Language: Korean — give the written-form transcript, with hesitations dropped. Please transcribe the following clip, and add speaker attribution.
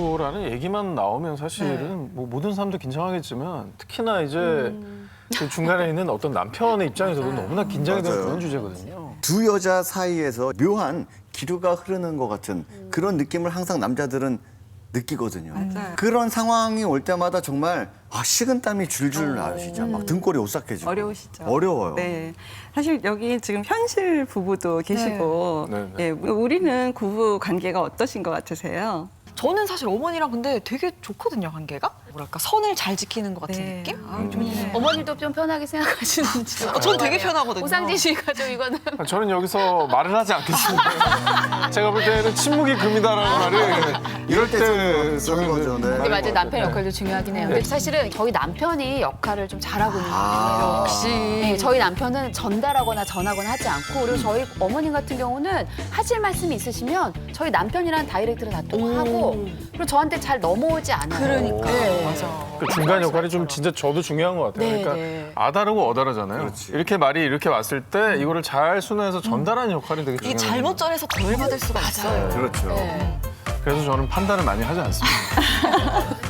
Speaker 1: 거라는 얘기만 나오면 사실은 뭐 모든 사람도 긴장하겠지만 특히나 이제 그 중간에 있는 어떤 남편의 입장에서도 너무나 긴장이 되는
Speaker 2: 맞아요.
Speaker 1: 그런 주제거든요.
Speaker 2: 두 여자 사이에서 묘한 기류가 흐르는 것 같은 그런 느낌을 항상 남자들은 느끼거든요.
Speaker 3: 맞아요.
Speaker 2: 그런 상황이 올 때마다 정말 식은땀이 줄줄 나시죠. 막 등골이 오싹해지고.
Speaker 3: 어려우시죠.
Speaker 2: 어려워요.
Speaker 3: 네. 사실 여기 지금 현실 부부도 계시고,
Speaker 1: 네, 네.
Speaker 3: 예, 우리는 부부 관계가 어떠신 것 같으세요?
Speaker 4: 저는 사실 어머니랑 근데 되게 좋거든요, 관계가. 뭐랄까, 선을 잘 지키는 것 같은
Speaker 3: 네.
Speaker 4: 느낌?
Speaker 3: 아, 좋네요.
Speaker 5: 어머님도 좀 편하게 생각하시는지.
Speaker 4: 전 되게 편하거든요.
Speaker 5: 오상진 씨가 좀 이거는.
Speaker 1: 저는 여기서 말을 하지 않겠습니다. 제가 볼 때는 침묵이 금이다라는 말을 이럴 때
Speaker 2: 쓰는 거죠. 네.
Speaker 5: 근데 맞아요. 남편 역할도 중요하긴 해요. 근데 사실은 저희 남편이 역할을 좀 잘하고 있는 거예요.
Speaker 4: 역시.
Speaker 5: 네, 저희 남편은 전달하거나 전하거나 하지 않고 그리고 저희 어머님 같은 경우는 하실 말씀이 있으시면 저희 남편이랑 다이렉트로 다 통화하고 그리고 저한테 잘 넘어오지 않아요.
Speaker 4: 그러니까.
Speaker 5: 네.
Speaker 4: 맞아.
Speaker 1: 그 중간 역할이 좀 진짜 저도 중요한 것 같아요.
Speaker 5: 네,
Speaker 1: 그러니까
Speaker 5: 네.
Speaker 1: 아다르고 어다르잖아요.
Speaker 2: 그렇지.
Speaker 1: 이렇게 말이 이렇게 왔을 때 이거를 잘 순화해서 전달하는 역할이 되게
Speaker 4: 이게
Speaker 1: 중요해요.
Speaker 4: 잘못 전해서 덜 받을 수가 있어요.
Speaker 2: 그렇죠.
Speaker 5: 네.
Speaker 1: 그래서 저는 판단을 많이 하지 않습니다.